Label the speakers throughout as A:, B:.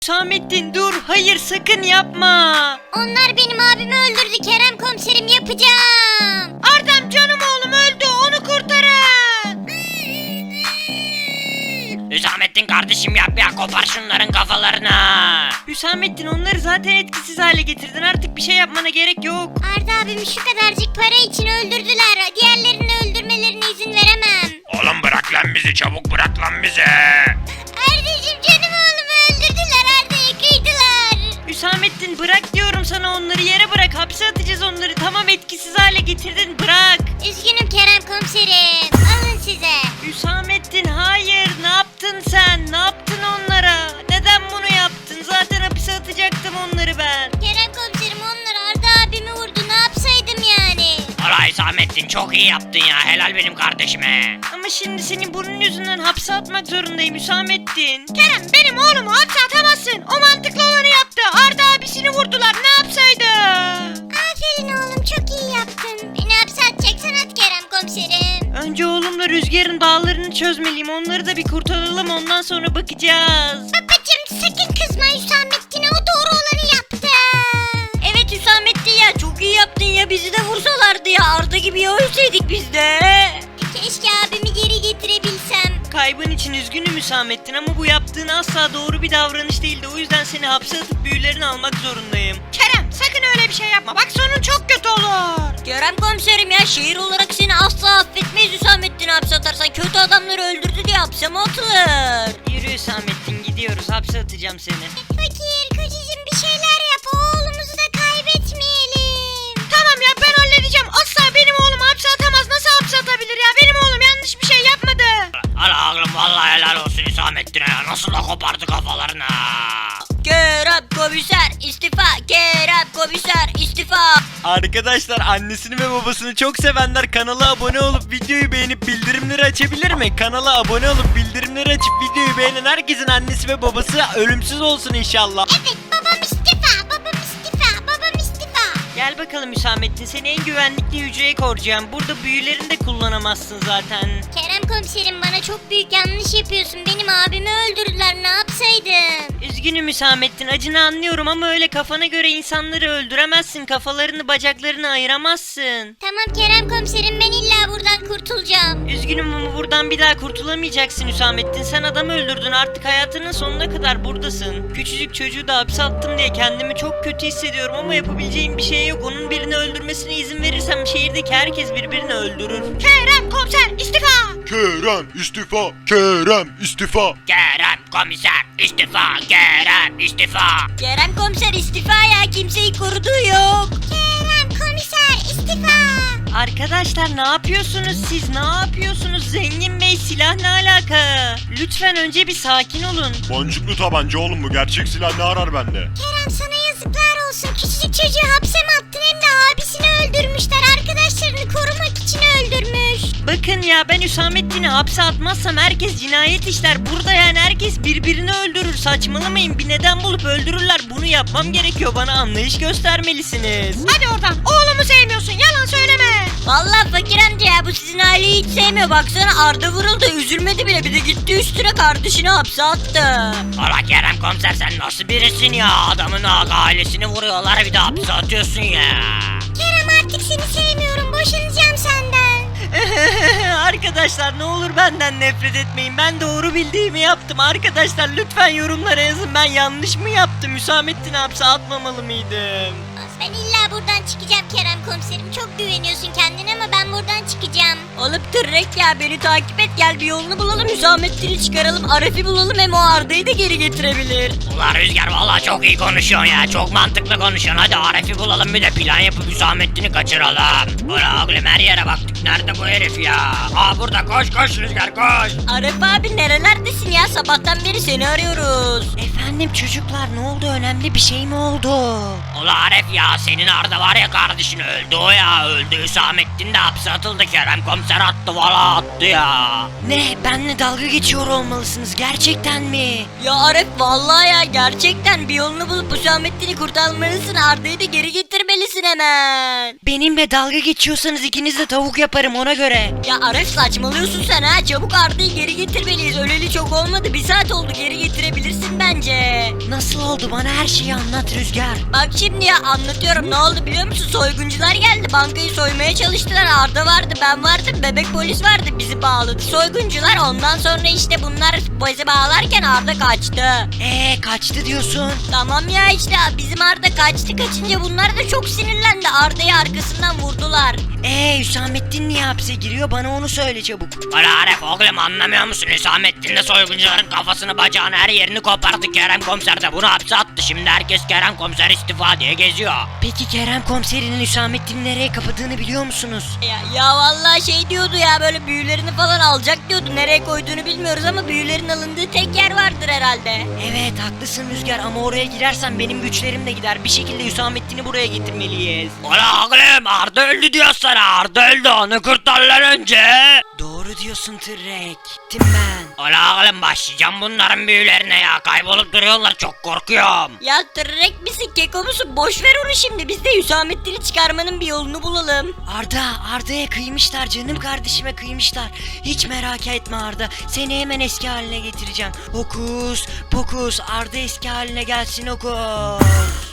A: Hüsamettin dur, hayır sakın yapma.
B: Onlar benim abimi öldürdü Kerem komiserim, yapacağım.
A: Ardam canım oğlum öldü, onu kurtarın.
C: Hüsamettin kardeşim yap ya, kopar şunların kafalarını.
A: Hüsamettin onları zaten etkisiz hale getirdin, artık bir şey yapmana gerek yok.
B: Arda abimi şu kadarcık para için öldürdüler. Diğerlerini öldürmelerine izin veremem.
C: Oğlum bırak lan bizi, çabuk bırak lan bizi.
B: Ardacığım canım oğlumu öldürdüler. Arda'yı kıydılar.
A: Hüsamettin bırak diyorum sana, onları yere bırak, hapse atacağız onları. Tamam etkisiz hale getirdin, bırak.
B: Üzgünüm Kerem komiserim. Alın size.
A: Hüsamettin hayır, ne yaptın sen? Ne yaptın onlara? Neden bunu yaptın? Zaten hapse atacaktım onları ben.
B: Kerem komiserim, onlar Arda abimi vurdu. Ne yapsaydım yani?
C: Valla Hüsamettin çok iyi yaptın ya, helal benim kardeşime.
A: Ama şimdi senin bunun yüzünden hapse atmak zorundayım Hüsamettin. Kerem benim oğlumu hapse atamazsın. O mantıklı olanı yaptı. Arda abisini vurdular, ne yapsaydı?
B: Aferin oğlum, çok iyi yaptın. Beni hapse atacaksan at Kerem komiserim.
A: Önce oğlumla Rüzgar'ın bağlarını çözmeliyim. Onları da bir kurtaralım, ondan sonra bakacağız.
B: Babacım sakın kızma, Hüsamettin'e o doğru olanı yaptı.
A: Evet Hüsamettin ya, çok iyi yaptın ya, bizi de vursalardı ya. Arda gibi ya ölseydik biz de.
B: Keşke abimi geri getirebilsem.
A: Kaybın için üzgünüm Hüsamettin ama bu yaptığın asla doğru bir davranış değildi. O yüzden seni hapse atıp büyülerini almak zorundayım. Kerem sakın öyle bir şey yapma. Bak sonun çok kötü olur.
D: Kerem komiserim ya, şehir olarak seni asla affetmeyiz. Hüsamettin'i hapse atarsan kötü adamları öldürdü diye hapse mi atılır?
A: Yürü Hüsamettin, gidiyoruz, hapse atacağım seni.
B: Fakir kocacığım bir şeyler yap, oğlumuzu da kaybetmeyelim.
A: Tamam ya, ben halledeceğim. Asla benim oğlum hapse atamaz. Nasıl hapse atabilir ya? Benim oğlum yanlış bir şey yapmadı.
C: Hala oğlum vallahi helal olsun Hüsamettin'e ya, nasıl da kopardı kafalarını.
D: Kerem komiser istifa, Kerem komiser istifa.
E: Arkadaşlar annesini ve babasını çok sevenler kanala abone olup videoyu beğenip bildirimleri açabilir mi? Kanala abone olup bildirimleri açıp videoyu beğenen herkesin annesi ve babası ölümsüz olsun inşallah.
B: Evet, babam istifa, babam istifa, babam istifa.
A: Gel bakalım Hüsamettin, seni en güvenlikli hücreye koruyacağım. Burada büyülerini de kullanamazsın zaten.
B: Kerem komiserim, bana çok büyük yanlış yapıyorsun. Benim abimi öldürdüler, ne yapsaydım?
A: Üzgünüm Hüsamettin, acını anlıyorum ama öyle kafana göre insanları öldüremezsin. Kafalarını bacaklarını ayıramazsın.
B: Tamam Kerem komiserim, ben illa buradan kurtulacağım.
A: Üzgünüm ama buradan bir daha kurtulamayacaksın Hüsamettin. Sen adam öldürdün, artık hayatının sonuna kadar buradasın. Küçücük çocuğu da hapse attım diye kendimi çok kötü hissediyorum ama yapabileceğim bir şey yok. Onun birini öldürmesine izin verirsem şehirdeki herkes birbirini öldürür. Kerem komiser istifa!
F: Kerem istifa, Kerem istifa.
C: Kerem komiser istifa, Kerem istifa.
D: Kerem komiser istifa ya, kimseyi koruduğu yok.
B: Kerem komiser istifa.
A: Arkadaşlar ne yapıyorsunuz siz? Ne yapıyorsunuz? Zengin Bey, silah ne alaka? Lütfen önce bir sakin olun.
F: Boncuklu tabanca oğlum, bu gerçek silah ne arar bende?
B: Kerem sana yazıklar olsun. Küçücük çocuğu hapse mi attın, hem de abisini öldürmüşler. Arkadaşlarını korumak için öldürmüş.
A: Bakın ya, ben Hüsamettin'i hapse atmazsam herkes cinayet işler. Burada yani herkes birbirini öldürür. Saçmalamayın, bir neden bulup öldürürler. Bunu yapmam gerekiyor, bana anlayış göstermelisiniz. Hadi oradan, oğlumu sevmiyorsun, yalan söyleme.
D: Vallahi fakir amca ya, bu sizin aileyi hiç sevmiyor. Baksana Arda vuruldu, üzülmedi bile, bir de gitti üstüne kardeşini hapse attı.
C: Valla Kerem komiser sen nasıl birisin ya, adamın ailesini vuruyorlar bir de hapse atıyorsun ya.
B: Kerem artık seni sevmiyorum. Boşanacağım senden.
A: Arkadaşlar ne olur benden nefret etmeyin. Ben doğru bildiğimi yaptım. Arkadaşlar lütfen yorumlara yazın. Ben yanlış mı yaptım? Hüsamettin'i hapse atmamalı mıydım?
B: Ben illa buradan çıkacağım Kerem komiserim. Çok güveniyorsun kendine ama ben buradan çıkacağım.
D: Oğlum tırrek ya, beni takip et, gel bir yolunu bulalım. Hüsamettin'i çıkaralım, Arif'i bulalım, hem o Arda'yı da geri getirebilir.
C: Ulan Rüzgar valla çok iyi konuşuyorsun ya, çok mantıklı konuşuyorsun. Hadi Arif'i bulalım, bir de plan yapıp Hüsamettin'i kaçıralım. Ulan oğlum her yere baktık, nerede bu herif ya? Aa burada, koş koş Rüzgar koş.
D: Arif abi nerelerdesin ya, sabahtan beri seni arıyoruz.
A: Efendim çocuklar, ne oldu? Önemli bir şey mi oldu?
C: Ulan Arif ya, senin Arda var ya kardeşin öldü o ya öldü. Hüsamettin de hapse atıldı. Kerem komiser attı valla attı ya.
A: Ne? Benle dalga geçiyor olmalısınız. Gerçekten mi?
D: Ya Arif vallahi ya gerçekten bir yolunu bulup Hüsamettin'i kurtarmalısın. Arda'yı da geri getirmelisin hemen.
A: Benimle dalga geçiyorsanız ikiniz de tavuk yaparım ona göre.
D: Ya Arif saçmalıyorsun sen ha. Çabuk Arda'yı geri getirmeliyiz. Öleli çok olmadı. 1 saat oldu, geri getirebilirsin bence.
A: Nasıl oldu? Bana her şeyi anlat Rüzgar.
D: Bak şimdi ya anlatıyorum, ne oldu biliyor musun? Soyguncular geldi, bankayı soymaya çalıştılar. Arda vardı, ben vardım, bebek polis vardı, bizi bağladı soyguncular. Ondan sonra işte bunlar bizi bağlarken Arda kaçtı.
A: Kaçtı diyorsun.
D: Tamam ya işte bizim Arda kaçtı, kaçınca bunlar da çok sinirlendi. Arda'yı arkasından vurdular.
A: Hüsamettin niye hapse giriyor? Bana onu söyle çabuk.
C: Valla Arif oğlum anlamıyor musun? Hüsamettin de soyguncuların kafasını bacağını her yerini kopardı. Kerem komiser de bunu hapse attı. Şimdi herkes Kerem komiser istifa diye geziyor.
A: Peki Kerem komiserinin Hüsamettin'i nereye kapadığını biliyor musunuz?
D: Ya vallahi şey diyordu ya, böyle büyülerini falan alacak diyordu. Nereye koyduğunu bilmiyoruz ama büyülerin alındığı tek yer vardır herhalde.
A: Evet haklısın Rüzgar ama oraya girersen benim güçlerim de gider. Bir şekilde Hüsamettin'i buraya getirmeliyiz.
C: Valla oğlum Arda öldü diyor sana. Arda öldü, onu kurtarlar önce.
A: Doğru diyorsun Tırrek. Gittim ben.
C: Valla oğlum başlayacağım bunların büyülerine ya. Kaybolup duruyorlar, çok korkuyorum.
D: Ya tırrek misin, keko musun? Boş ver onu şimdi. Biz de Hüsamettin'i çıkarmanın bir yolunu bulalım.
A: Arda'ya kıymışlar, canım kardeşime kıymışlar. Hiç merak etme Arda, seni hemen eski haline getireceğim. Hokus pokus, Arda eski haline gelsin hokus.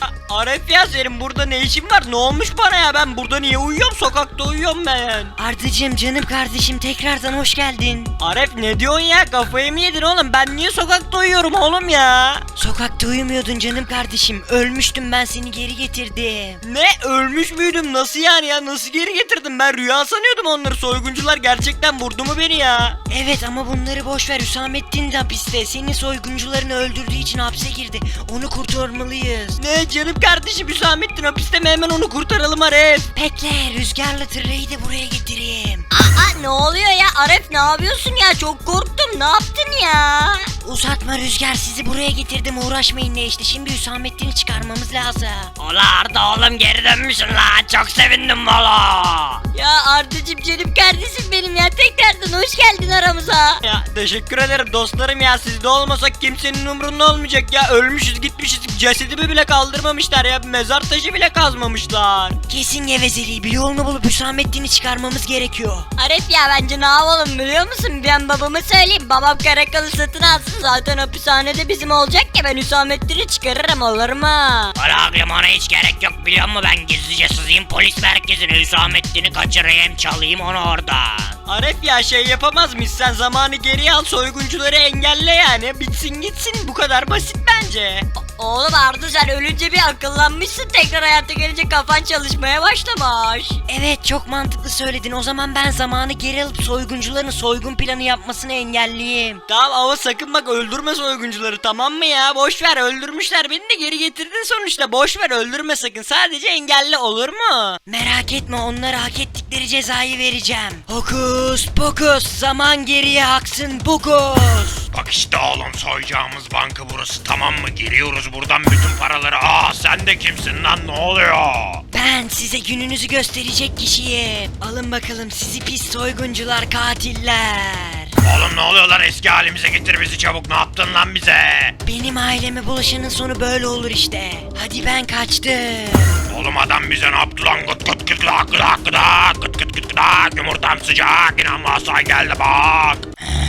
E: Arif ya senin burada ne işin var? Ne olmuş bana ya? Ben burada niye uyuyorum? Sokakta uyuyorum ben.
A: Ardacığım canım kardeşim tekrardan hoş geldin.
E: Arif ne diyorsun ya? Kafayı mı yedin oğlum? Ben niye sokakta uyuyorum oğlum ya?
A: Sokakta uyumuyordun canım kardeşim. Ölmüştüm, ben seni geri getirdim.
E: Ne? Ölmüş müydüm? Nasıl yani ya? Nasıl geri getirdim? Ben rüya sanıyordum onları. Soyguncular gerçekten vurdu mu beni ya?
A: Evet ama bunları boş ver. Hüsamettin de hapiste. Senin soyguncularını öldürdüğü için hapse girdi. Onu kurtarmalıyız.
E: Ne canım kardeşim, Hüsamettin hapiste mi? Hemen onu kurtaralım Arif.
A: Bekle, Rüzgar'la Tırre'yi de buraya getireyim.
D: Aa ne oluyor ya Arif, ne yapıyorsun ya? Çok korktum, ne yaptın ya?
A: Uzatma Rüzgar, sizi buraya getirdim, uğraşmayın ne işte. Şimdi Hüsamettin'i çıkarmamız lazım.
C: Ola Arda oğlum geri dönmüşsün lan. Çok sevindim valla.
D: Ya Ardacığım canım kardeşim benim ya, tekrardan hoş geldin aramıza.
E: Ya teşekkür ederim dostlarım ya. Siz de olmasak kimsenin umrunda olmayacak ya. Ölmüşüz gitmişiz. Cesedimi bile kaldırmamışlar ya. Mezar taşı bile kazmamışlar.
A: Kesin gevezeliği, bir yolunu bulup Hüsamettin'i çıkarmamız gerekiyor.
D: Arif ya bence ne yapalım biliyor musun? Ben babama söyleyeyim, babam Karakal'ı satın alsın, zaten hapishanede bizim olacak ya, ben Hüsamettin'i çıkarırım, olur mu?
C: Valla oğlum ona hiç gerek yok biliyor musun? Ben gizlice sızayım polis merkezine. Hüsamettin'i kaçırayım, çalayım onu oradan.
E: Arif ya şey yapamaz mıyız? Sen zamanı geriye al, soyguncuları engelle yani. Bitsin gitsin, bu kadar basit bence.
D: Oğlum Arda sen ölünce bir akıllanmışsın, tekrar hayata gelince kafan çalışmaya başlamış.
A: Evet çok mantıklı söyledin. O zaman ben zamanı geri alıp soyguncuların soygun planı yapmasını engelleyeyim.
E: Tamam ama sakın bak öldürme soyguncuları, tamam mı ya? Boş ver, öldürmüşler beni de geri getirdin sonuçta. Boş ver, öldürme sakın, sadece engelle, olur mu?
A: Merak etme, onlara hak ettikleri cezayı vereceğim. Hokus pokus, zaman geriye aksın pokus.
F: Bak işte oğlum, soyacağımız banka burası, tamam mı? Giriyoruz buradan bütün paraları. Sen de kimsin lan, ne oluyor?
A: Ben size gününüzü gösterecek kişiyim. Alın bakalım sizi pis soyguncular, katiller.
F: Oğlum ne oluyor lan, eski halimize getir bizi çabuk, ne yaptın lan bize?
A: Benim aileme bulaşanın sonu böyle olur işte. Hadi ben kaçtım.
F: Oğlum adam bize ne yaptı lan? Gıt gıt gıt gıdak gıdak gıdak gıt gıt gıt gıdak, yumurtam sıcak, inanmazsan geldi bak.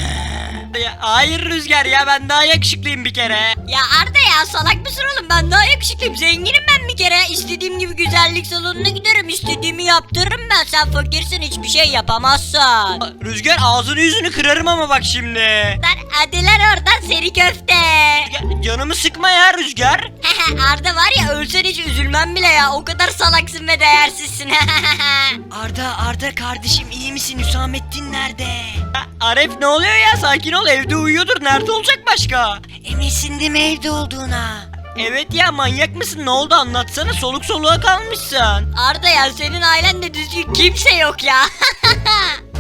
E: Ya, hayır Rüzgar ya, ben daha yakışıklıyım bir kere.
D: Ya Arda ya salak mısın oğlum, ben daha yakışıklıyım, zenginim ben bir kere. İstediğim gibi güzellik salonuna giderim, istediğimi yaptırırım ben. Sen fakirsin, hiçbir şey yapamazsın.
E: Rüzgar ağzını yüzünü kırarım ama bak şimdi.
D: Lan hadi lan oradan seri köfte.
E: Ya, canımı sıkma ya Rüzgar.
D: Arda var ya, ölsen hiç üzülmem bile ya, o kadar salaksın ve değersizsin.
A: Arda kardeşim iyi misin? Hüsamettin nerede?
E: Ya, Arif ne oluyor ya, sakin ol, evde uyuyordur, nerede olacak başka?
A: Eminsin değil mi evde olduğuna?
E: Evet ya, manyak mısın, ne oldu anlatsana, soluk soluğa kalmışsın.
D: Arda ya senin ailende düzgün kimse yok ya.